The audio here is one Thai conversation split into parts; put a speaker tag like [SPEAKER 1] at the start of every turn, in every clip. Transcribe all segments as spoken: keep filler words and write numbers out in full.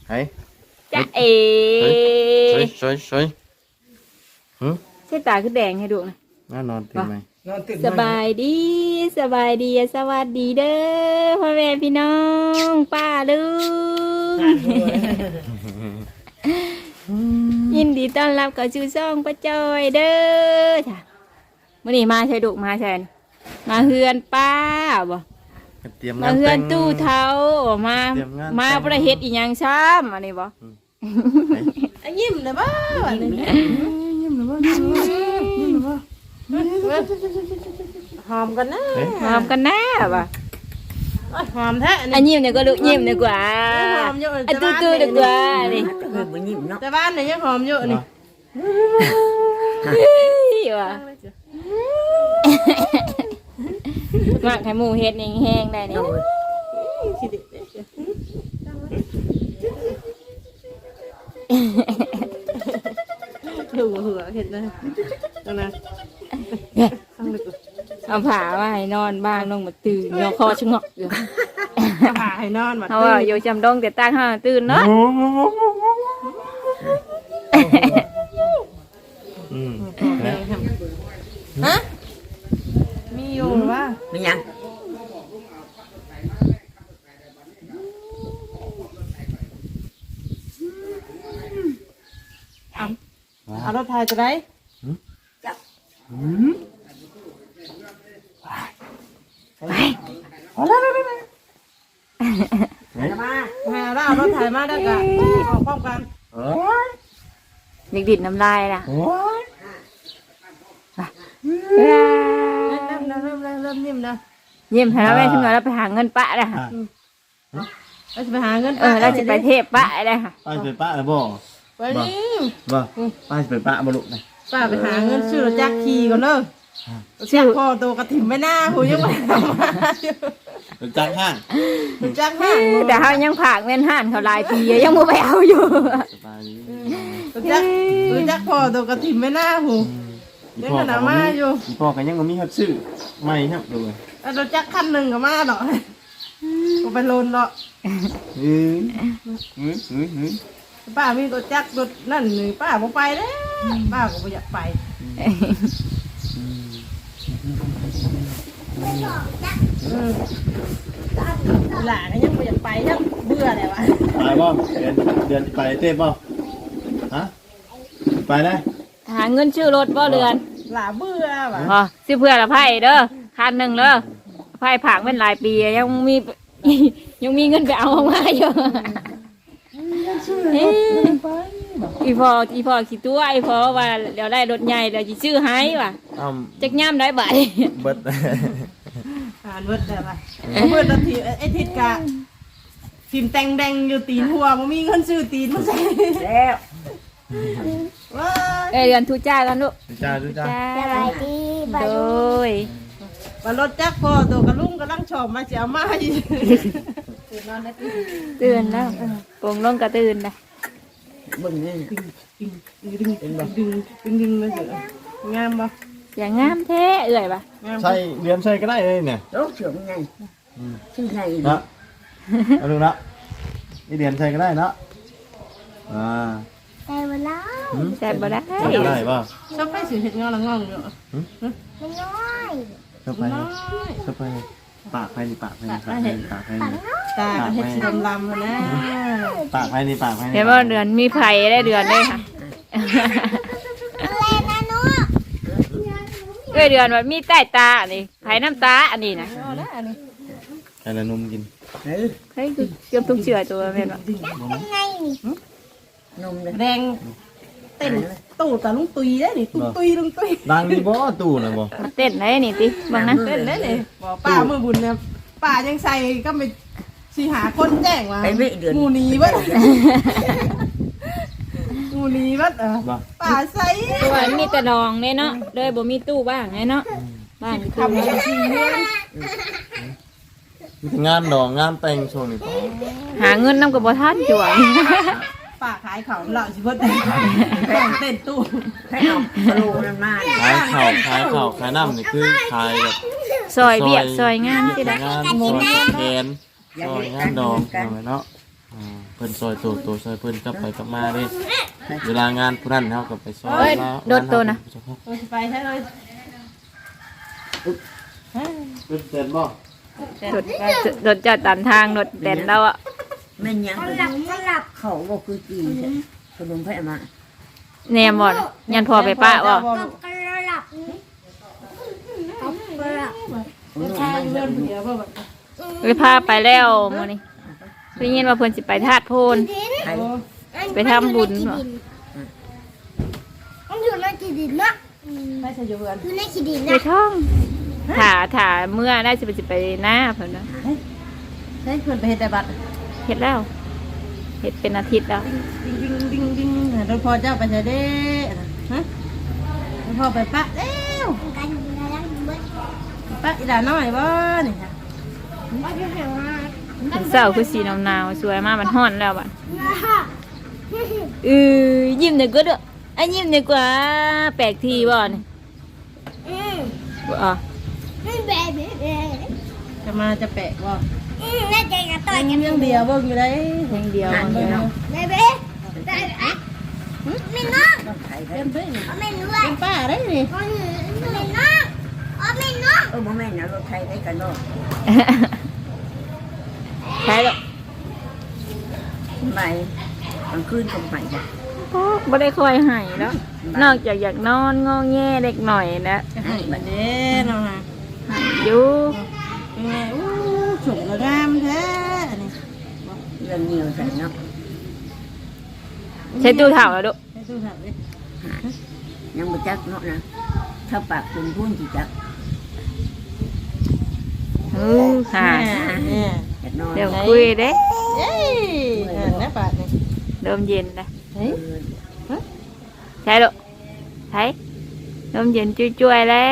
[SPEAKER 1] เฮ้ย
[SPEAKER 2] จะเอ
[SPEAKER 1] สวยสวยสวยหืม
[SPEAKER 2] ใช่ตาคือแดงให้ดูนะ
[SPEAKER 1] น่านอนตื่นไหม
[SPEAKER 2] สบายดีสบายดีสวัสดีเด้อพ่อแม่พี่น้องป้าลุงยินดีต้อนรับกับชูซ่องป้าจอยเด้อจ้ะมื่อนี้มาใช่ดุมาใช่มาเฮือนป้าบ่
[SPEAKER 1] เตรียม
[SPEAKER 2] มาเฮือนตู้เท้ามามาประเฮ็ดอีหยังซ้ำอันนี้บ่
[SPEAKER 3] ยิ้มเลยบ้ายิ้มเลยบ้ายิ้มเลยบ้าหอมกันนะ
[SPEAKER 2] หอมกันแน่บ่
[SPEAKER 3] หอมแท้
[SPEAKER 2] อันยิ้มเนี่ยก็ลูกยิ้มดีกว่าอันตู้ตู้ดีกว่านี่
[SPEAKER 3] แต่บ้านเนี่ยยังหอมเยอะนี่
[SPEAKER 2] ว่ะมักให้หมูเฮ็ดแห้งๆได้นี่
[SPEAKER 3] ดูหัวเห็นเลยตรงนั้น
[SPEAKER 2] เอาผ้ามาให้นอนบ้างน้องมาตื่นยอคอชะงอกอยู่
[SPEAKER 3] ผ่าให้นอนมา
[SPEAKER 2] เพราะว่าอยู่จำดงแต่ตั้งห้าตื่นเนาะ
[SPEAKER 3] ฮะมีอยู่ว่า
[SPEAKER 4] มียัง
[SPEAKER 3] เอารถไทยจะได้เอาแล้วแล้วแล้วมาหาแล้วเอารถไทยมาได้กันออกพร้อมกัน
[SPEAKER 2] เด็กดิดน้ำลายล่ะ
[SPEAKER 3] เริ่มเริ่มเริ่มเริ่มนิ่มนะ
[SPEAKER 2] เยี่ยมแล้วแม่ชุมเราไปหาเงินปะนะค่ะ
[SPEAKER 3] เราจะไปหาเงิน
[SPEAKER 2] เออเราจะไปเทพปะเลยค่ะ
[SPEAKER 1] ป้าไปป้าเลยบ่
[SPEAKER 3] ไปนี่
[SPEAKER 1] บ่ป้าไปป้าบ่ลุกเลย
[SPEAKER 3] ป้าไปหาเงินซื้อรถจักรขี่ก่อนเนอะซื้อพ่อตัวกระถิ่นไม่น่าหูยังไม่ทำมาอยู่
[SPEAKER 1] จังห้าง
[SPEAKER 3] รถจักรห้าง
[SPEAKER 2] แต่เขายังผากเงินห่านเขาลายปียังไม่ไปเอาอยู่
[SPEAKER 1] สบายดี
[SPEAKER 3] รถจักรรถจักรพ่อตัวกระถิ่นไม่น่าหูยังขนาดมาอยู่
[SPEAKER 1] พ่อกันยังมีครับซื้อไม่ครับดู
[SPEAKER 3] รถจักรคันหนึ่งก็มาหรอก็ไปโลนหรอ
[SPEAKER 1] เฮ้ยเฮ้ยเฮ้ยเฮ้ย
[SPEAKER 3] ป้ามีรถจักรรถนั่นนี่ป้าบ่ไปแล้วป้าก็ไม่อยากไปหลานก็ยังไม่อยากไปยังเบื่อเลยวะ
[SPEAKER 1] ไปบ่เดือนเดือนไปเต้บ่ฮะไปนะ
[SPEAKER 2] หาเงินชื่อรถบ่เรือน
[SPEAKER 3] หลาเบื่อวะ
[SPEAKER 2] อ๋อซื้อเพื่อละไพ่เด้อคันหนึ่งเด้อไพ่ผากเป็นหลายปียังมี ยังมีเงินไปเอามาอยู่อีพออีพอคิดตัวอีพอว่าเดี๋ยวได้รถใหญ่เดี๋ยวจะซื้อให้ว่ะ
[SPEAKER 1] อ้าว
[SPEAKER 2] จักย่ำได้บ่
[SPEAKER 1] เบิด
[SPEAKER 3] อ่านเบิดได้ปะเบิดนาทีไอ้ทิศกะฟิล์มแดงแดงอยู่ตีนหัวมันมีเงินซื้อตีนมาใส่
[SPEAKER 4] แล้ว
[SPEAKER 3] ว้า
[SPEAKER 2] เอ้ยเดือนทุจ้ากันลูก
[SPEAKER 1] จ้าดูจ้า
[SPEAKER 2] สบายดีโดย
[SPEAKER 3] วันรถจักรพ่อตัวกระลุ่งกระลังชอบมาเสียมาอยู่
[SPEAKER 2] ตื่นแล้วปงลงก็ตื่นนะ
[SPEAKER 4] บึ้งนี่
[SPEAKER 3] ดึงดึงดึงดึงดึงเลยเถอะงามปะ
[SPEAKER 2] อย่างงามแท้เอื่อยปะ
[SPEAKER 3] งาม
[SPEAKER 1] ใส่เรียนใส่ก็ได้เลยเนี่ย
[SPEAKER 4] โรคเสื่อมไงชื่อไง
[SPEAKER 1] นะเอาดูนะนี่เรียนใส่ก็ได้นะอ่า
[SPEAKER 2] แต่บ่ได้แต่บ่ได้
[SPEAKER 1] ใส่ก็ได้ป่ะ
[SPEAKER 3] ชอบไปสื่อเห็ดงอละงองอยู่
[SPEAKER 1] เข้าไปเข้าไปปากไปนี่ปากไปนี่ปากไปนี่ปากไปนี่
[SPEAKER 3] ตาเห็ดสีดำลำนะ
[SPEAKER 1] ปากไปนี่ปากไปนี่
[SPEAKER 2] เห็นว่าเดือนมีไผ่ได้เดือนได้ค่ะเอ้ยเดือนว่ามีใต้ตาอันนี้ไผ่น้ำตาอันนี้นะ
[SPEAKER 3] เอาละอันนี้
[SPEAKER 1] ใครละนุ่มกิน
[SPEAKER 4] เฮ้ย
[SPEAKER 2] เฮ้ยคือเกือบทุกเชือตัวแม่นบ่
[SPEAKER 4] นมเลย
[SPEAKER 3] แดงเต้นตู่ตาลุงตุยได้นี่ตุยตุยลุงตุย
[SPEAKER 1] ดังดีบ่ตู้นะบ่
[SPEAKER 2] มันเต้นได้นี่ติบังนะ
[SPEAKER 3] เต้นได้เลยบอกป้าเมื่อบุญเนี่ยป้ายังใส่ก็ไปสีหาคนแจ้งว่า
[SPEAKER 4] ไปไม่เดือน
[SPEAKER 3] งูนีวัดงูนีวัดเออ
[SPEAKER 1] บ่
[SPEAKER 3] ป้าใส่
[SPEAKER 2] ตัวมีแต่ดองเด้เนาะเลยบ่มีตู้บ้างไงเนาะบ้านมีตู้
[SPEAKER 3] ทำกันทีเดือน
[SPEAKER 1] งานดองงานแต่งช่วงนี้
[SPEAKER 2] หาเงินนำกับบ่ทันจั่ว
[SPEAKER 3] ป้าขายเขาเหล่าชิบดแต่งเต้นตู้
[SPEAKER 4] ให้เอากระโหลกนั่นมา
[SPEAKER 1] ขายข้าวขายข้าวขายน้ำนี่คือขายแบบ
[SPEAKER 2] ซอยเบียกซอยงานสิได้
[SPEAKER 1] งานซอยแขนซอยงานดองเอาไว้เนาะอ่าเพิ่นซอยตัวตัวซอยเพิ่นกลับไปกลับมาเด้เวลางานผู้นั้นเฮาก็ไปซอย
[SPEAKER 2] เอ้ย
[SPEAKER 1] แล้ว
[SPEAKER 2] โดดตัวนะ
[SPEAKER 3] โอ้ยไปใช่เลย
[SPEAKER 1] เป็นเต็มบ่
[SPEAKER 2] โดดโดดจัดตามทางโดดแดนเราอ่ะ
[SPEAKER 4] แม่นยังหลับหลับเขาบอกคือจีขนมไผ่มา
[SPEAKER 2] แนมบ่ยันพอไปป้าบ่
[SPEAKER 3] ใช่เพื่อนเดียวบ่แบบ
[SPEAKER 2] เลยพาไปแล้วมื้อนี้ได้ยินว่าเพิ่นสิไปธาตุโพน
[SPEAKER 4] ไผ่
[SPEAKER 2] ไปทำบุญเหรอ
[SPEAKER 5] มันอยู่ในขี้ดินนะ
[SPEAKER 3] ไม่ใช่อยู่เพื่อน
[SPEAKER 5] อยู่ในขี้ดิน
[SPEAKER 2] ไป
[SPEAKER 5] นะ
[SPEAKER 2] ท่องถ่าถ่าเมื่อได้สิไปสิไปหน้าเพิ่นว่า
[SPEAKER 3] ใช่เพื่อนไปเฮ็ดแต่บัตร
[SPEAKER 2] เฮ็ดแล้วเฮ็ดเป็นอาทิตย์แล้ว
[SPEAKER 3] ดิ้งดิ้งดิ้งดิ้งโดยพอเจ้าไปใช่เด้ฮะโดยพอไปปะเร็ว
[SPEAKER 5] กันอยู่ในนั้นเบิ้ล
[SPEAKER 3] ปะอีหลาน้อยบ่นี่ค่ะ
[SPEAKER 5] ว่าจะแข่งมา
[SPEAKER 2] เช้าคือสีหนาวๆสวยมากมันร้อนแล้วบัดเออยิ้มหน่อยก็เด้อไอ้ยิ้มหน่อยกว่าแปลกทีบ่นี่
[SPEAKER 5] อืม
[SPEAKER 2] บ่อ่ะ
[SPEAKER 5] ไม่แบะแบะแบะ
[SPEAKER 3] จะมาจะแปะบ่
[SPEAKER 5] อืมน่าจะกระต่อย
[SPEAKER 3] ยั
[SPEAKER 5] กัน
[SPEAKER 3] งยังเดียวเบิ่งอยู่ได้
[SPEAKER 2] เพลงเดียว
[SPEAKER 4] หันอยู่เนาะ
[SPEAKER 5] แบะแบะแบะแบะไม่น้อง
[SPEAKER 4] ต้องไผ่ไผ่
[SPEAKER 3] เป็นเพิ่น
[SPEAKER 5] เอาไม่รู้
[SPEAKER 3] เป็นป้าได้นี่
[SPEAKER 5] เอาไม่น้องเอาไม่น้อง
[SPEAKER 4] เออโมแม่นนะรถไทยได้กันเนาะ
[SPEAKER 2] ใช่หรอก
[SPEAKER 4] ไปกลางคืนก็ไผ่บ่
[SPEAKER 2] โอ้บ่ได้คอยให้แล้วนอกจากอยากนอนงอแงเล็กหน่อยนะ
[SPEAKER 3] จะให้บัดเด้เนาะฮะ
[SPEAKER 2] อยู่
[SPEAKER 3] เป็นไงอู้สูงงามแท้อันนี้
[SPEAKER 4] เรื่องเงียวใส่เนาะ
[SPEAKER 2] ใช้ตู้เถ่าแล้วดุ
[SPEAKER 3] ให้ดูถามดิ
[SPEAKER 4] ยังบ่จักเนาะนะถ้าปากคุณพูนสิจัก
[SPEAKER 2] เออหา
[SPEAKER 3] เนี่ย
[SPEAKER 4] อยากนอน
[SPEAKER 2] เดี๋ยวคุยเด้
[SPEAKER 3] เย้อ่านะบาทนี่
[SPEAKER 2] เริ่มเย็นนะ
[SPEAKER 3] เฮ้ย
[SPEAKER 2] ใช่ดุใช่เริ่มเย็นจุยๆแล้ว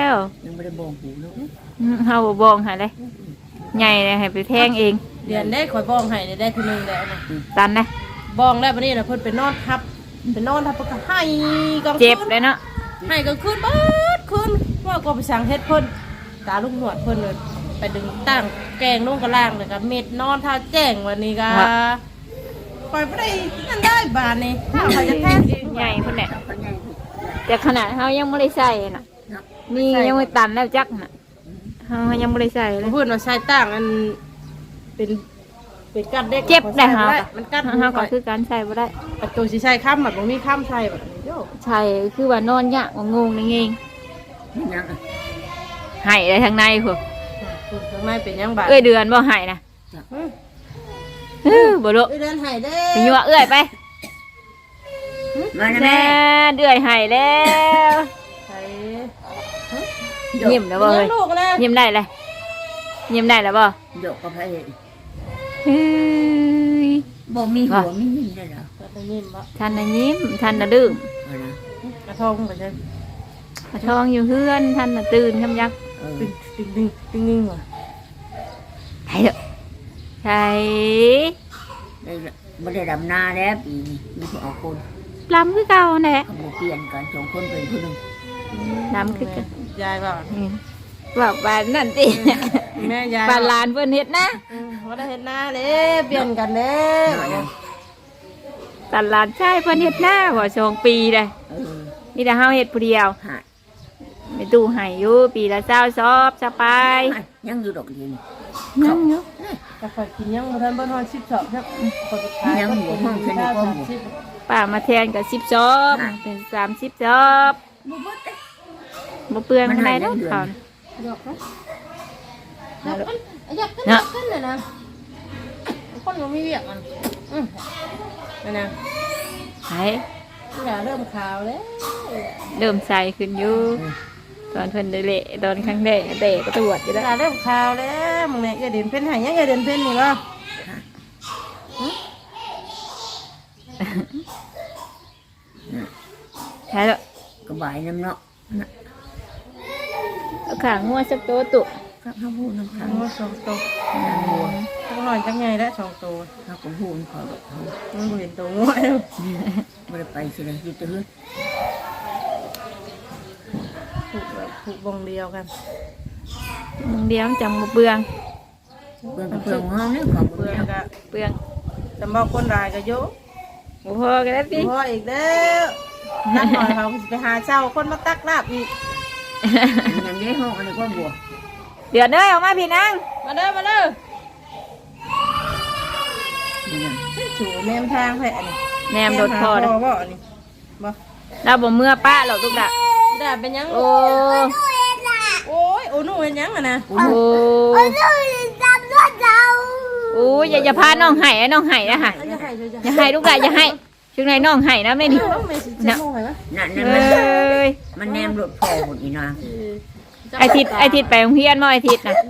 [SPEAKER 4] ยังไม่ได้บอกหูเนาะ
[SPEAKER 2] อืมเฮาบ่บองให้เลยใหญ่เลยให้ไปแทงเอง
[SPEAKER 3] เดือนได้ข่อยบ้องให้ได้ทีนึงแล้วนะ
[SPEAKER 2] ตันนะ
[SPEAKER 3] บ้องแล้ววันนี้นะเพิ่นไปนอนทับไปนอนทับเพิ่นก็ให้กลางคืน
[SPEAKER 2] เจ็บเลยเนาะ
[SPEAKER 3] ให้กลางคืนเบิดคืนว่าก็ไปสั่งเฮ็ดเพิ่นตาลูกหนวดเพิ่นเลยไปดึงตั้งแกงลงกระล่างเลยก็เม็ดนอนท่าแจ้งวันนี้ก็ปล่อยบ่ได้นั่นได้บาดนี่ถ้าเขาจะแทนเอง
[SPEAKER 2] ใหญ่พุ่นแหละ
[SPEAKER 4] เขาใหญ่สิ
[SPEAKER 2] แต่ขนาดเฮายังไม่ได้ใส่น่ะ
[SPEAKER 4] เนาะ
[SPEAKER 2] นี่ยังไม่ตันแล้วจักน่ะเฮายังไม่ได้ใส่เลย
[SPEAKER 3] เพิ่นว่าใส่ตั้งอันเป็นเป็นกัดเด็ก
[SPEAKER 2] เจ็บได้เฮา
[SPEAKER 3] มันกัด
[SPEAKER 2] เฮาก็คือการใส่บ่ได้
[SPEAKER 3] ประตูสิใส่ค้ำแบบบ่มีค้ำใส่แบบนี้โย
[SPEAKER 2] ใช่คือว่านอนยากงงๆนี่เอง
[SPEAKER 4] ยังอ่ะ
[SPEAKER 2] ให้ได้ทางในพุ่น
[SPEAKER 3] คุณข้างในเป็นยังบาด
[SPEAKER 2] เอ้ยเดือนบ่ให้นะเออบ่รู้
[SPEAKER 3] เอ้ยเดินไห้เด้
[SPEAKER 2] ไปยั่วเอ้ยไป
[SPEAKER 4] มานะ
[SPEAKER 2] แน่
[SPEAKER 4] แม่
[SPEAKER 2] เดือยให้แล้ว
[SPEAKER 3] ไห้
[SPEAKER 2] ยิ้มแล้วบ่
[SPEAKER 3] เลี้
[SPEAKER 2] เอ้
[SPEAKER 3] ย
[SPEAKER 2] ย
[SPEAKER 3] งลูกเลย
[SPEAKER 2] ยิ้มได้เลยยิ้มได้แล้วบ่
[SPEAKER 4] หยกกับไผ่
[SPEAKER 2] เฮ้ย
[SPEAKER 4] บ่มีหัวมียิ้มได้เหรอ
[SPEAKER 3] ได้ยินบ่
[SPEAKER 2] ท่านน่ะยิ้มท่านน่ะดื้อ
[SPEAKER 4] เอานะ
[SPEAKER 3] กระทงไปใช่
[SPEAKER 2] กระทองอยู่เฮือนท่านน่ะตื่นคำยัก
[SPEAKER 4] เออ
[SPEAKER 3] ตึงตึงตึงตึงตึงว่ะ
[SPEAKER 2] ไถเด้อไถ
[SPEAKER 4] ได้บ่ได้ดำนาแล้วปีนี้มีผู้เอาคน
[SPEAKER 2] ลำคือเก่าแหละ
[SPEAKER 4] เขาบ่เปลี่ยนกันสองคนเป็นผู้หนึง
[SPEAKER 2] ลำคือเกัน
[SPEAKER 3] ยายบ่
[SPEAKER 2] อืมว่าบ้านนั่นติ
[SPEAKER 3] แม่ยาย
[SPEAKER 2] บ้านหลานเพิ่นเฮ็ดนะ
[SPEAKER 3] อืมว่าได้เห็นหน้าเด้เปลี่ยนกันเด้
[SPEAKER 4] น้อยนะ
[SPEAKER 2] บ้านหลานชายเพิ่นเฮ็ดหน้าบ่สองปีเลย
[SPEAKER 4] เออ
[SPEAKER 2] มีแต่เฮาเฮ็ดผู้เดียว
[SPEAKER 4] หาย
[SPEAKER 2] ไปตู้ให้อยู่ปีละเช้าซอบสบาย
[SPEAKER 4] ยังอยู่ดอกเดียวนี่
[SPEAKER 2] นั่งอยู่
[SPEAKER 3] แต่ข่อยกินยังบ่ทันบ่ทอนสิบสองครับข่อยไปขาย
[SPEAKER 4] ยังหัวห้องฉันอยู่ก็หัว
[SPEAKER 2] ป้ามาแทนกับสิบซอบ
[SPEAKER 4] ค่ะ
[SPEAKER 2] เป็นสามสิบซอบ
[SPEAKER 4] บ่เบิดเด้
[SPEAKER 2] บ่เปลือง
[SPEAKER 4] มัน
[SPEAKER 2] อะไร
[SPEAKER 4] ให้
[SPEAKER 2] เด้อ
[SPEAKER 4] เดือน
[SPEAKER 2] เขา
[SPEAKER 3] ดอกนะอยากขึ้น
[SPEAKER 2] เนาะ
[SPEAKER 3] ขึ้นเลยนะคนมันไม่เวียกมันอืมนั่นนะ
[SPEAKER 2] ไห้
[SPEAKER 3] อย่าเริ่มขาวแล้ว
[SPEAKER 2] เริ่มใส่ขึ้นอยู่ตอนเพิ่นได้เละตอนครั้งแรกเตะก็ตรวจอยู่
[SPEAKER 3] อ
[SPEAKER 2] แล้ว
[SPEAKER 3] ย่าเริ่มขาวแล้วมึงเนี่ยอย่าเดินเพ่นหายยังอย่าเดินเพ่นนี่วะ
[SPEAKER 2] ใช่แล้ว
[SPEAKER 4] ก็บายน้ำเนาะนะ
[SPEAKER 2] เอาขางงัวสักตัวตุ
[SPEAKER 4] ก็เขาพูดน้ำ
[SPEAKER 3] ทั้
[SPEAKER 4] ค้าง
[SPEAKER 3] งหมดสองตัวทั้งหน่อยจังไงแล้วสองตัว
[SPEAKER 4] เขาก็พูดเขาดอกเขา
[SPEAKER 3] มันบ่เห็นตัวง่วยแล้ว
[SPEAKER 4] ไม่ได้ไปสิเลยอยู่แตะเฮือน
[SPEAKER 3] ผูกแบบผูกวงเดียวกัน
[SPEAKER 2] มึงเดียวจังบ่เปลือง
[SPEAKER 4] เพื่อนกับเพื่อนของเขาเนี่ยของ
[SPEAKER 3] เพื่
[SPEAKER 4] เพื่
[SPEAKER 3] อ
[SPEAKER 4] อน น
[SPEAKER 3] ก็
[SPEAKER 2] เปลือง
[SPEAKER 3] จำบอกคนรายก็โย
[SPEAKER 2] โอ้โหกันแล้วพี่
[SPEAKER 3] พออีกแล้วนักหน่อยเขาไปหาเช่าคนมาตักลาบอีก
[SPEAKER 4] อย่างนี้ห้องอันนี้ก็บัว
[SPEAKER 2] เดือดเด้อออกมาพี่นาง
[SPEAKER 3] มาเด้อมาเด้อสู่แนมทางแผลนี่
[SPEAKER 2] แนมรถพอ
[SPEAKER 3] แน
[SPEAKER 2] เด้อ
[SPEAKER 3] มหาพ่อบ่อันนี้บ่
[SPEAKER 2] เราบ่เมื่อป้าหรอกลูกดะ
[SPEAKER 3] ด่าเป็นยัง
[SPEAKER 2] โอ้
[SPEAKER 3] โอ้ยโอ้หนูเป็นยังอะนะ
[SPEAKER 2] โอ้
[SPEAKER 5] โอ้ยจำด้วยเรา
[SPEAKER 2] โอ้ยอย่าอย่าพาน้องไห้นะน้องไห้นะค่ะ
[SPEAKER 3] อย่าให้เลย
[SPEAKER 2] อย่าให้ลูกดะอย่าให้ช่วงไหนน้องไห้นะไม่ดี
[SPEAKER 3] ต้องไม่สิจะโม่ไหมวะ
[SPEAKER 4] นั่น
[SPEAKER 2] เอ
[SPEAKER 4] นั่นมัน้
[SPEAKER 2] ย
[SPEAKER 4] มันแนมรถพอหมดอีนาง
[SPEAKER 2] ไอทิดไอทิดไปโรงเรียนบ่ไอทิดนะ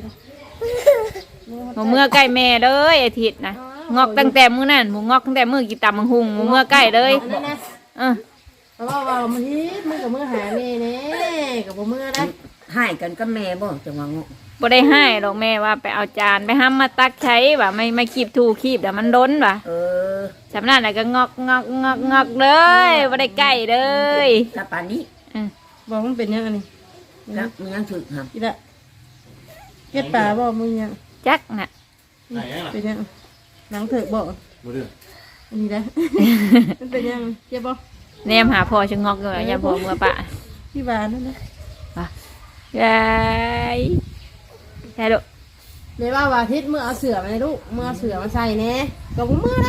[SPEAKER 2] หมูเมื่อใกล้แม่เลยไอทิดนะงอกตั้งแต่มื้อนั่นหมูงอกตั้งแต่มื้อกี่ตำมังหุงหมูเมื่อใกล้เลย
[SPEAKER 3] นั่นนะ
[SPEAKER 2] เออ
[SPEAKER 3] เพราะว่าว่ามันฮิตมึงกับมือหาแม่เน่กับบ่มือได้
[SPEAKER 4] ให้กันก็แม่บ่จังหวะง
[SPEAKER 2] บ่ได้ให้หรอกแม่ว่าไปเอาจานไปห้ามมาตักใช้ว่าไม่ไม่คีบถูคีบเดี๋ยวมันล้นว่ะ
[SPEAKER 4] เออ
[SPEAKER 2] สำนักไหนก็งอกงอกงอกงอกเลยบ่ได้ใกล้เลย
[SPEAKER 4] ถ้าปานนี้
[SPEAKER 2] อืม
[SPEAKER 3] บอกมันเป็นยังไงนี่
[SPEAKER 4] แล้วมันยังถึกครับ
[SPEAKER 3] อีละเก็ดป่าบอกมึงยัง
[SPEAKER 2] จักน่ะ
[SPEAKER 1] ไหนอ่ะ
[SPEAKER 3] เป็นยังหนังเถิกบอก
[SPEAKER 1] บ่เด้อ
[SPEAKER 3] อันนี้ได้ มันเป็นยังเจ็บบอก
[SPEAKER 2] แนมหาพ่อชะงอกอยู่แล้วอย่าพ่อเมื่อปะ
[SPEAKER 3] ที่บ้านนั่นนะ
[SPEAKER 2] ยายใช่ลูก
[SPEAKER 3] ในว่าว่าทิศเมื่อเอาเสือมาในลูกเมื่อเอาเสือมาใส่แน่กับมือได้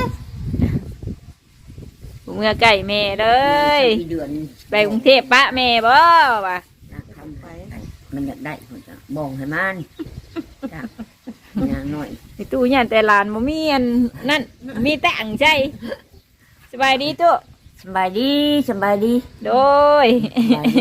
[SPEAKER 2] เมื่อใกล้แม่เลย
[SPEAKER 4] มีเดือน
[SPEAKER 2] ไปกรุงเทพปะแม่บ่ว่ะ
[SPEAKER 4] นะทำไปมันอยากได้คนจะบองให้มันจ้ะอย่างน้อย
[SPEAKER 2] ในตู้ยันแต่หลานบ่มีอันนั่นมีแต่อังใจสบายดีตู้
[SPEAKER 4] สบายดีสบายดี
[SPEAKER 2] โดย
[SPEAKER 4] สบายดี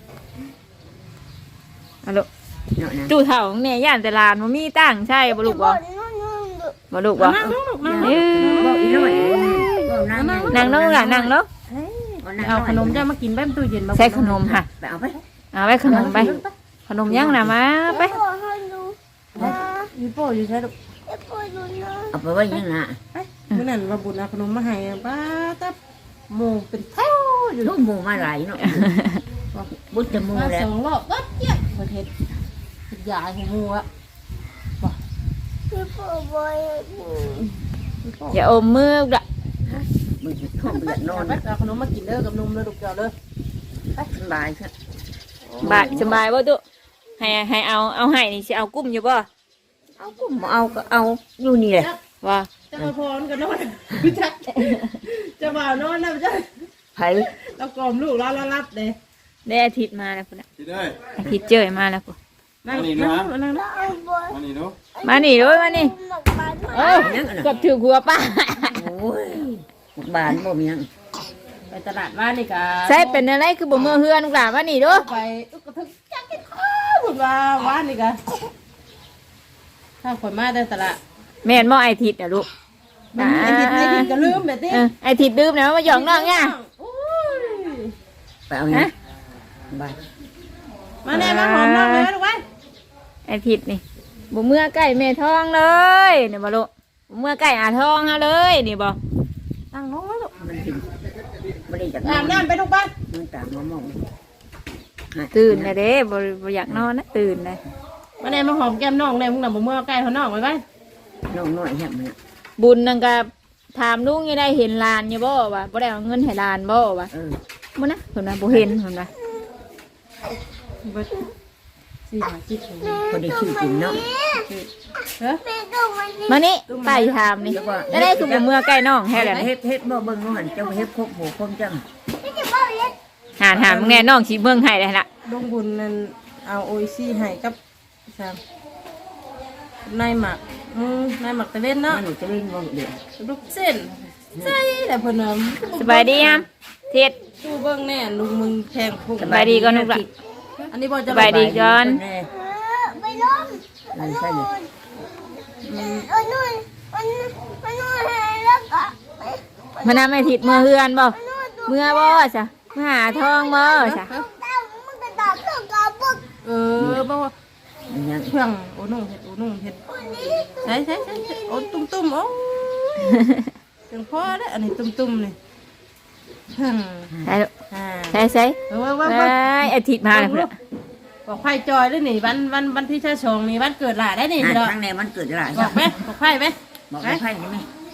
[SPEAKER 2] เอาลูก
[SPEAKER 4] เนาะนะ
[SPEAKER 2] ตู้เฒ่าของแม่ย่านแต่หลานบ่มีตั้งใช่บ่ลูกบ่บ่ลูกบ่
[SPEAKER 3] นั่งลูกลูกนั่ง
[SPEAKER 2] เอ้
[SPEAKER 4] บอกอี
[SPEAKER 2] ย
[SPEAKER 4] น้อยบอกนั่ง
[SPEAKER 2] นั่งลงล่ะนั่งลง
[SPEAKER 3] เอาขนมจะมากินแป๊บตู้เย็นมา
[SPEAKER 2] ใส่ขนมค่ะ
[SPEAKER 4] ไปเอาไป
[SPEAKER 2] เอาไปขนมไป ขนมยังน่ะมาไป
[SPEAKER 5] พ่อให้ดู
[SPEAKER 3] ยูโป้อยู่ใช่ลูก
[SPEAKER 5] ให้พ่อดูนะ
[SPEAKER 4] เอาไปไว้ยังน่ะ
[SPEAKER 3] เมื่อนั้นว่าบุญเอาขนมมาให้ป้าตับหมูเป็นแถวอยู่
[SPEAKER 4] ลูกหมูมาหลายเนาะบุญจะหมู
[SPEAKER 3] มา
[SPEAKER 4] แล้
[SPEAKER 3] ส
[SPEAKER 4] ว
[SPEAKER 3] องรอบก็เจี๊ยบประเทศใหญ่ของหมูอะ
[SPEAKER 5] ให้พ่อบอยดู
[SPEAKER 2] อย่าอมมือละ
[SPEAKER 4] มึงท้องเดือดนอน
[SPEAKER 3] ไปเอาขนมมากินเด้อกับนมเลยลูกเจ้าเด้อ
[SPEAKER 4] ไปสบายครับ
[SPEAKER 2] บายสบายบ่ตุให้ให้เอาเอาให้นี่สิเอากุ้มอยู่บ่
[SPEAKER 4] เอาก็เอาก็เอาอยู่นี่แหละ
[SPEAKER 2] ว่า
[SPEAKER 3] จะมาพรกันนอนพี่จักจะบ่าวนอนนะพี่จัก
[SPEAKER 4] ไผ
[SPEAKER 3] เรากล่อมลูกเราเรารับเลย
[SPEAKER 2] ได้อาทิตย์มาแล้วพุ่นน่ะ
[SPEAKER 1] สิได้
[SPEAKER 2] อาทิตย์เจอมาแล้วพุ่น
[SPEAKER 3] นั่งนั่งนั่งนั่ง
[SPEAKER 5] เอาบอย
[SPEAKER 1] มานี่เนาะ
[SPEAKER 2] มานี่เด้อมานี่
[SPEAKER 5] หนักบ้าน
[SPEAKER 2] เออกับถือหัวป้า
[SPEAKER 4] โอ้ยบานบ่มีหยัง
[SPEAKER 3] ไปตลาดบ้านนี่กะ
[SPEAKER 2] ใช่เป็นอะไรคือบ่มือเฮือนลูกหลานมานี่เด้อ
[SPEAKER 3] ไปอุ๊กกระทึกจักกินข้าวบุญว่าบ้านนี่กะถ้าคนมาได้ตลาด
[SPEAKER 2] แม่นบ่ไอทิตย์น่ะลูก
[SPEAKER 3] ไอ้ทิศไอ้ทิศก็ลืมแบบนี้
[SPEAKER 2] เออไอทิตย์ดื่มนะมาหยอกน้องเนี่ย
[SPEAKER 3] โอ้ย
[SPEAKER 4] ไปเอาหยังบาย
[SPEAKER 3] มาแน่มาหอมน้องเลยลูกไว้
[SPEAKER 2] ไอทิตย์นี่บ่เมื่อใกล้แม่ท้องเลยนี่บ่ลูกบ่เมื่อใกล้อาท้องฮะเลยนี่บ่
[SPEAKER 3] นั่งน้องไว้ลูก
[SPEAKER 4] มันกินบ่ได้จาก
[SPEAKER 3] อาบน้ำไปลูกบ้าน
[SPEAKER 4] มันตามมามอง
[SPEAKER 2] ตื่นเลยเด้บ่บ่อยากนอนนะตื่นเลย
[SPEAKER 3] มาแน่มาหอมแก้มน้องแน่มึงน่ะบ่เมื่อใกล้เขาน้องไว้ไว้
[SPEAKER 4] น้องน้อยแฮมเนี่ย
[SPEAKER 2] บุญนั่นก็ถามลุงยังได้เห็นหลานอยู่บ่ว่าบ่ได้เอาเงินให้หลานบ่ว่า
[SPEAKER 4] เออ
[SPEAKER 2] บ่นะเพิ่นว่าบ่เห็นเพิ่นว่า
[SPEAKER 3] เบิดสี่หาจิตเลย
[SPEAKER 4] พอได้ชื่อกินเนาะ
[SPEAKER 3] เฮ้ย
[SPEAKER 5] แม่ดูมันนี่
[SPEAKER 2] มานี่ไปถามนี่ได้ได้คือบ่เมื่อใกล้น้องแท้แล้วนี่
[SPEAKER 4] เฮ็ดเฮ็ดบ่เบิ่งว่าหันเจ้าเฮ็ดครบโหคมจัง
[SPEAKER 5] ไม่จะบอกเลย
[SPEAKER 2] หาถามมึงแน่น้องสิเมืองให้ได้ล่ะ
[SPEAKER 3] ลงบุญนั่นเอาโออิซี่ให้กับสามนายหมักอืมนายหมักตะเวนเนาะ
[SPEAKER 4] มันหนูจะเล่นบ่เดี๋ยว
[SPEAKER 3] ลูกเส้นใช่แต่เพิ่นน่ะ
[SPEAKER 2] สบายดียามเท็ด
[SPEAKER 3] ตู้เบิ่งแน่ลุงมึงแทงพุ่ง
[SPEAKER 2] สบายดีก่อนลูกล่ะ
[SPEAKER 3] อันนี้บ่จะ
[SPEAKER 2] สบายดีก่อน
[SPEAKER 4] แน่
[SPEAKER 5] เออไปล้ม
[SPEAKER 4] เออใช่เลย
[SPEAKER 5] เออนู่นมันมันนู่นแล้วก็ไป
[SPEAKER 2] มานำไอ้ทิดเมื่อเฮือนบ่เมื่อบ่จ้ะมาหาทองบ่จ้ะ
[SPEAKER 5] ตามมึงก็ตามเรื่องกับพวก
[SPEAKER 3] เออบ่ว่า
[SPEAKER 4] มันยัง
[SPEAKER 3] เพื่องโอ้นุ่งเฮ็ดโอ้นุ่งเฮ็ด
[SPEAKER 5] คนนี้
[SPEAKER 3] ใช่ใช่ใช่ใช่โอ้ตุ้มตุ้มโอ้จังพอเด้ออันนี้ตุ้มตุ้มนี่เพื่อง
[SPEAKER 2] ใช่ลูก
[SPEAKER 3] อ่า
[SPEAKER 2] ใช่ใช่
[SPEAKER 3] เออว่าว่า
[SPEAKER 2] ไป
[SPEAKER 3] ว่า
[SPEAKER 2] ไอ้ทิดมาแล้วพุ่นน่ะ
[SPEAKER 3] บอกไผ่จอยด้วยนี่วันวันวันที่เช้าชงนี่วันเกิดหลานได้นี่
[SPEAKER 4] อ่ะ
[SPEAKER 3] เด้อ
[SPEAKER 4] ครั้งในมันเกิดอะไร
[SPEAKER 3] บอกไหมบอกไผ่ไหม
[SPEAKER 4] บอกให้ไพ่ได้ไหม
[SPEAKER 3] บ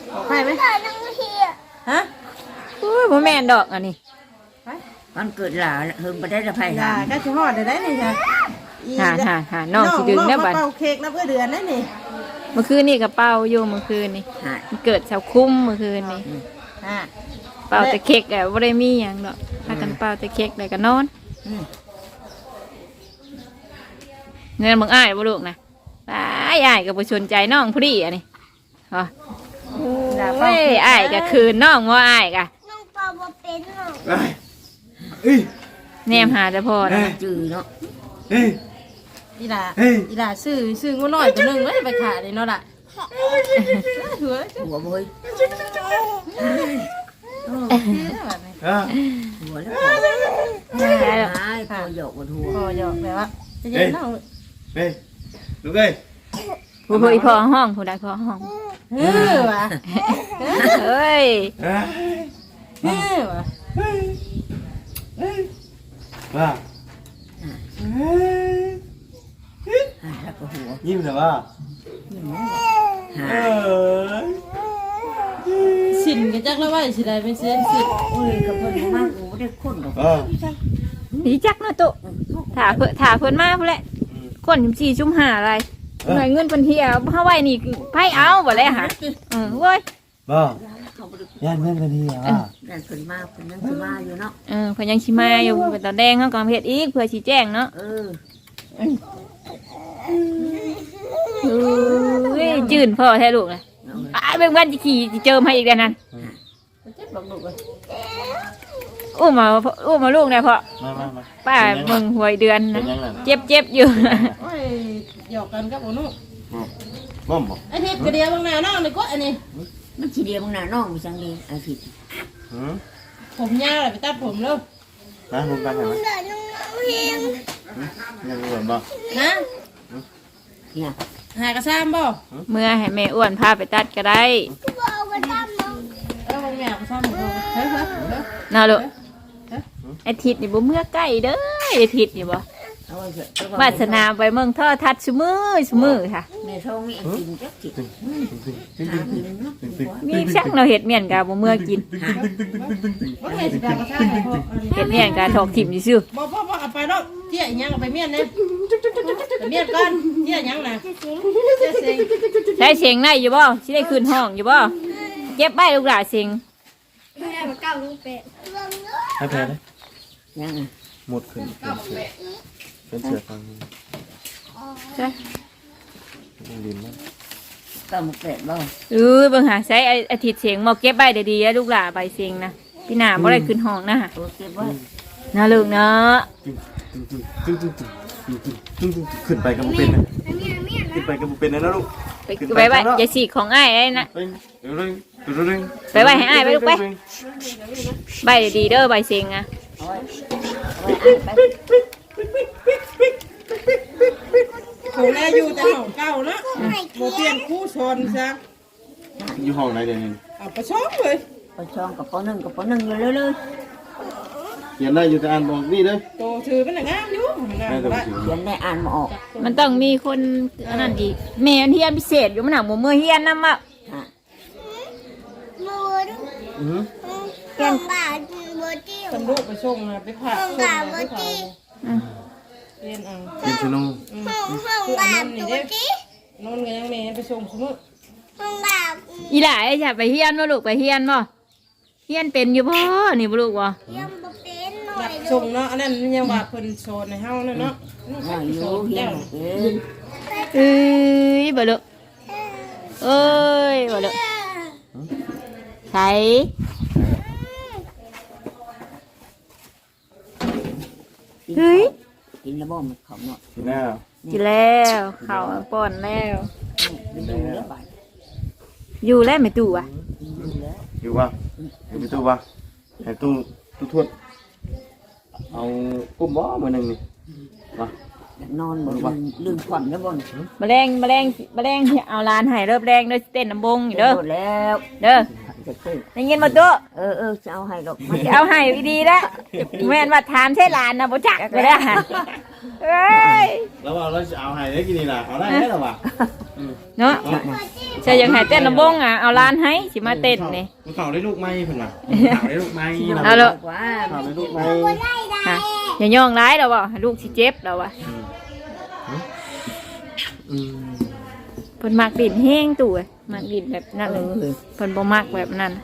[SPEAKER 3] บอกใครไหม
[SPEAKER 5] ตาน้องเฮีย
[SPEAKER 3] ฮะ
[SPEAKER 2] โอ้ยบ่แม่นดอกอันนี้
[SPEAKER 3] ไป
[SPEAKER 4] มันเกิดหลาเฮิมไปได้ละไผ่
[SPEAKER 3] อย่า
[SPEAKER 4] หา
[SPEAKER 3] ก็จะหอดได้นี่ค่ะ
[SPEAKER 2] หาหาหาน้องสิดึงได้บัด
[SPEAKER 3] เป่าเค้กน้ำเพื่อเดือนนั่นนี่
[SPEAKER 2] เมื่อคืนนี่ก็เป่าอยู่เมื่อคืนนี่
[SPEAKER 4] หา
[SPEAKER 2] มันเกิดเสาคุ้มเมื่อคืนนี่
[SPEAKER 3] อ่า
[SPEAKER 2] เป่าแต่เค้กอะบ่ได้มีหยังดอกพากันเป่าแต่เค้กแล้วก็นอน
[SPEAKER 4] อืม
[SPEAKER 2] เงินมึงอ้ายบ่ลูกนะอ้ายอ้ายก็บ่สนใจน้องผู้ดีอันนี้ฮะเฮ้ยอ้ายก็คืนน้องว่าอ้ายก็
[SPEAKER 5] น้องเปาบ่เป็นหรอก
[SPEAKER 1] เอ้ยเอ้ย
[SPEAKER 2] แนมหาแต่พ่อนะ
[SPEAKER 4] จืดเนาะ
[SPEAKER 1] เอ้ย
[SPEAKER 3] อีหล่า
[SPEAKER 1] เฮ้ย
[SPEAKER 3] อีหล่าซื้อซื้องูน้อยตัวหนึงไว้ไปขายเลยเนาะล่ะหัว
[SPEAKER 4] หัวบ่ย
[SPEAKER 1] อ่ะ
[SPEAKER 4] หัวแล้ว
[SPEAKER 2] ได้แล้ว
[SPEAKER 4] หายพอหยอกบนหัว
[SPEAKER 3] พอหยอกแบบว่าจะเย็นเนาะ
[SPEAKER 1] เฮ้ยลูกเอ้ย
[SPEAKER 2] ผู้ผู้อีพ่อห้องผู้ใดพ่อห้อง
[SPEAKER 3] เฮ้อว่ะ
[SPEAKER 2] เฮ้ย
[SPEAKER 1] เอ้ย
[SPEAKER 3] เฮ้อว่ะ
[SPEAKER 1] เฮ้ยเฮ้ยว่าเฮ้ย
[SPEAKER 4] หายแล้วก็หัว
[SPEAKER 1] ยิ้มเลยว่า
[SPEAKER 4] หา
[SPEAKER 1] เอ้
[SPEAKER 4] ย
[SPEAKER 1] ย
[SPEAKER 3] สินก็จักแล้วว่าสิได้เป็นเส้นสิน
[SPEAKER 4] โอ้ยกับเพิ่นบ่มากกูบ่ได้คนดอก
[SPEAKER 1] เออ
[SPEAKER 2] ดีจักเนาะตุถาเพิ่นถาเพิ่นมาพุ่นแหละคนสี่ชุ่มหาอะไรหน่วยเงินเพิ่นเที่ยวเฮาไว้นี่ไผเอาบ่เลยหาเออโว้ย
[SPEAKER 1] บ่
[SPEAKER 4] เขาบ่ได้
[SPEAKER 1] ย่านเพื่อนกันทีอ่ะ
[SPEAKER 4] นั่นเพิ่นมาเพิ่นยังสิมาอยู่เนาะ
[SPEAKER 2] เออเพิ่นยังสิมาอยู่เป็นตาแดงเฮาก็เฮ็ดอีกเพื่อสิแจ้งเนาะ
[SPEAKER 4] เออ
[SPEAKER 2] เอ้ยจื่นพ่อแท้ลูกน่ะอ้ายเบิ่งวันสิขี่สิเจิมให้อีกแล้วนั่น
[SPEAKER 3] เจ็บบักดุเลย
[SPEAKER 2] อุ้มมาอุ้มมาลูกได้พ่อ
[SPEAKER 1] มามามา
[SPEAKER 2] ป้าเบิ่งหวยเดือน
[SPEAKER 1] เป็
[SPEAKER 2] นะ
[SPEAKER 1] นยังไง
[SPEAKER 2] เจ็บเจ็บอยู่
[SPEAKER 3] โอ้ยหยอกกันกับโอนุ่
[SPEAKER 1] บ้อมบ่
[SPEAKER 3] ไอ้ทิพย์กระเดียวบางหน้าน้องเลยก็อันนี้
[SPEAKER 4] มันสิเดียวมึงน่ะน้องมีจังดีอาทิตย์
[SPEAKER 1] หืม
[SPEAKER 3] ผมยาวเลยไปตัดผมแล้ว
[SPEAKER 1] นะลุงกันเห็นไหม
[SPEAKER 5] ตาน้องเฮีย
[SPEAKER 1] ยังเหมือนบ่
[SPEAKER 3] นะ
[SPEAKER 4] เนี่ย
[SPEAKER 3] หากระซ้ำบ่
[SPEAKER 2] เมื่อให้แม่อ้วนพาไปตัดก็ได้
[SPEAKER 5] กูเอาไปตามน้อง
[SPEAKER 3] เออแม่กระซ้ำบ่เฮ้ยเฮ้ยเฮ้ย
[SPEAKER 2] น่าลูกไอาทิตย์นี่บ่เมื่อใกล้เด้อไอาทิตย์นี่บ่
[SPEAKER 4] เอาไว้เถอะ
[SPEAKER 2] วาสนาไปเมืองท่อทัดซุมือซุมือค่ะ
[SPEAKER 4] ในท้องมีไอ้กินจักจิ
[SPEAKER 1] ตึงตึงตึง
[SPEAKER 4] หากินเนาะ
[SPEAKER 1] ตึงตึง
[SPEAKER 2] มีช่างเราเห็ดเมียนกาบ่เมื่อกิน
[SPEAKER 3] บ่แม่สิกากระซ้ำบ่
[SPEAKER 2] เห็ดเมียนกาถอกถิ่มซื่อ
[SPEAKER 3] บ่บ่บ่เอาไปแล้วเจี๊ยอีหยังเอาไปเมียนเนี่ยไปเมียนก่อนเจี๊ยอีหยังน่ะเจี๊ยเซ็ง
[SPEAKER 2] ใช้เสียงได้อยู่บ่สิได้ขึ้นห้องอยู่บ่เก็บใบลูกหลาเสียง
[SPEAKER 5] แม่มาเก้าลูกเป็ดลองเนาะ
[SPEAKER 1] ให้แพ้เลย
[SPEAKER 4] ยัง
[SPEAKER 1] หมดขึ้นเป็นเสือเป็นเสือฟัง
[SPEAKER 2] ใช่
[SPEAKER 1] ดินมั้ง
[SPEAKER 4] ก็มาเป็ดบ่
[SPEAKER 2] เออเบิ่งหาใช้อาทิตย์เสียงบ่เก็บใบได้ดีๆลูกหลาใบเสียงนะพี่หน้าบ่ได้ขึ้นห้องนะ
[SPEAKER 4] โอเคบ่
[SPEAKER 2] น่าลูกเนาะ
[SPEAKER 1] ตึงตึงตึงตึงตึงตึงตึงตึงขึ้นไปกับบุเป็นนะขึ้นไปกับบุเป็นนะนะลูก
[SPEAKER 2] ไปไปไว้อย่าฉีกของอ้ายได้นะ
[SPEAKER 1] เร่งเร่งเร่ง
[SPEAKER 2] ไปไว้ให้อ้ายไปลูกไปใบดีๆเด้อใบเสียงอ่ะ
[SPEAKER 4] เอาไว้เอาไว้อ่านไป
[SPEAKER 3] ผมแลอยู่แต่ห้องเก่าเนาะบ่เปลี่ยนคู่ชนซะ
[SPEAKER 1] อยู่ห้องไหนเดี๋ยวนี้
[SPEAKER 3] เอาไปซ้อมเลย
[SPEAKER 4] ปช่องกับปหนึ่งกับปหนึ่งอยู่เลยเลย
[SPEAKER 1] เขียนได้อยู่แต่อ่านบอกนี่เลย
[SPEAKER 3] โตถือเป็นงามอยู่งาม
[SPEAKER 1] แม่ต้อง
[SPEAKER 3] ละ
[SPEAKER 1] ถือ
[SPEAKER 4] เขียนได้อ่านมาออก
[SPEAKER 2] มันต้องมีคนอันนั้นอีกแม่เฮียนพิเศษอยู่มันหนักหมูเมื่อเฮียนนำอ่ะ
[SPEAKER 4] ฮะ
[SPEAKER 5] มูด
[SPEAKER 1] อือ
[SPEAKER 5] ห้องบาทโบจิ้ว
[SPEAKER 3] คนลูกไปส่งนะไปผ่าส่งนะไปผ่าเรียนเอา
[SPEAKER 1] เป็นชนู
[SPEAKER 5] ห้องห้องบาทโบจิ้วน
[SPEAKER 3] อนกันยังแม่ไปส่งสมุด
[SPEAKER 5] ห้องบาท
[SPEAKER 2] อีหล่าไอ้จะไปเฮียนบ่ลูกไปเฮียนบ่เฮียนเป็นอยู่บ่นี่บ่ลูกบ่
[SPEAKER 5] ยังบ่เป็นหน่อ
[SPEAKER 3] รั
[SPEAKER 5] ย
[SPEAKER 3] บส่งเนาะอันนั้นยังว่าเพิ่นโซนในเฮาเนาะ
[SPEAKER 4] ว่าอยู่เฮียนเป็น
[SPEAKER 2] เอ้ยบ่ลูกเอ้ยบ่ลูกใส่ เฮ้ย
[SPEAKER 4] กินแล้วบ่มันเขาเนาะ
[SPEAKER 1] ทีหน้า
[SPEAKER 2] กินแล้วข้าวป้อนแล้ว
[SPEAKER 4] มันดูแล้วบาด
[SPEAKER 2] อยู่แล้วไม่ตู่อ่ะ
[SPEAKER 4] ดูแล้ว
[SPEAKER 1] อยู่วะอยู่ในตู้วะให้ตู้ตู้ทวดเอากุ้มบ่มือหนึ่งนี่วะ
[SPEAKER 4] นอนบ่ลืมลืมความแล้วบ่
[SPEAKER 2] แมลงแมลงแมลงที่เอาลานให้เริ่มแรงเด้อสิเต้นน้ำบงอยู่เด้อ
[SPEAKER 4] แล้ว
[SPEAKER 2] เด้อ
[SPEAKER 4] จะซื้อ
[SPEAKER 2] ได้ยินบ่ตัว
[SPEAKER 4] เออเออจะเอาให้ดอก
[SPEAKER 2] จะเอาให้ดีๆนะแม่นว่าถามใช่หลานนะบ่จักก็ได้เอ้ย
[SPEAKER 1] แล้วว่าเราจะเอาให้ได้กินนี่ล่ะเอาได้ไหมล่ะวะ
[SPEAKER 2] เนาะใช่ยังให้เต้นลำบงอ่ะเอาหลานให้สิมาเต้นนี่
[SPEAKER 1] มันเข่าได้ลูกไม้เพิ่นว่ะเข่าได้ลูกไม้
[SPEAKER 2] เอาละ
[SPEAKER 4] ว่า
[SPEAKER 1] เข่าได้ลูกไม้
[SPEAKER 2] ฮะอย่าย่องร้ายดอกว่าให้ลูกสิเจ็บดอกว่า
[SPEAKER 1] อืม
[SPEAKER 2] เพิ่นมักดินแห้งตู่มักดินแบบนั้น
[SPEAKER 4] เออ
[SPEAKER 2] เพิ่นบ่มักแบบนั้น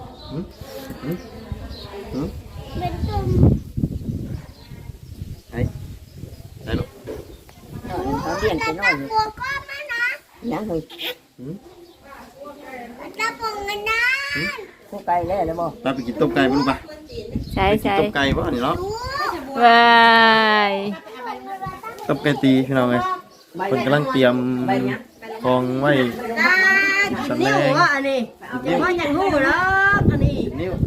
[SPEAKER 5] เป็นตุ่ม
[SPEAKER 1] ได้ลูก
[SPEAKER 4] เขาเรียนไปน้อย
[SPEAKER 5] ปวดก้อนมานะ
[SPEAKER 4] ยังเคย
[SPEAKER 5] จะปวดกันนะ
[SPEAKER 4] คู่ไกลแล้วแล้วบ่
[SPEAKER 1] ไปไปกินต้มไก่บ่ลูกปะ
[SPEAKER 2] ใช่
[SPEAKER 1] ไปกิน
[SPEAKER 2] ใช่
[SPEAKER 1] ต้มไก่บ่นี่เนาะ
[SPEAKER 2] วาย
[SPEAKER 1] ต้มไก่ตีพี่น้องเอ้ยเพิ่นกำลังเตรียมของไว้
[SPEAKER 3] กินนิ้วว่าอันนี้อย่าว่าอย่างหู้หรอกอันนี้
[SPEAKER 1] นิ้ว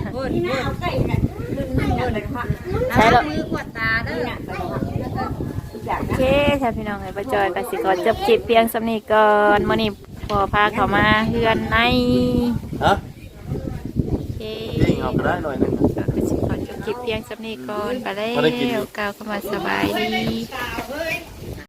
[SPEAKER 2] ใช่แล้ว
[SPEAKER 3] มือกวาดตาเด้อ
[SPEAKER 2] โอเคค่ะพี่น้องไอ้ประจอยกสิขอจบคลิปเพียงสำนีก่อนมื้อนี้พอพาเขามาเฮือนใน
[SPEAKER 1] ฮะ
[SPEAKER 2] โอเค
[SPEAKER 1] ยิงเอาก็ได้หน่อยหนึง
[SPEAKER 2] ก็สิขอจบคลิปเพียงสำนีก่อนไปแล้
[SPEAKER 1] บ่ได้กิน
[SPEAKER 2] วกล่าวคำว่าสบายดี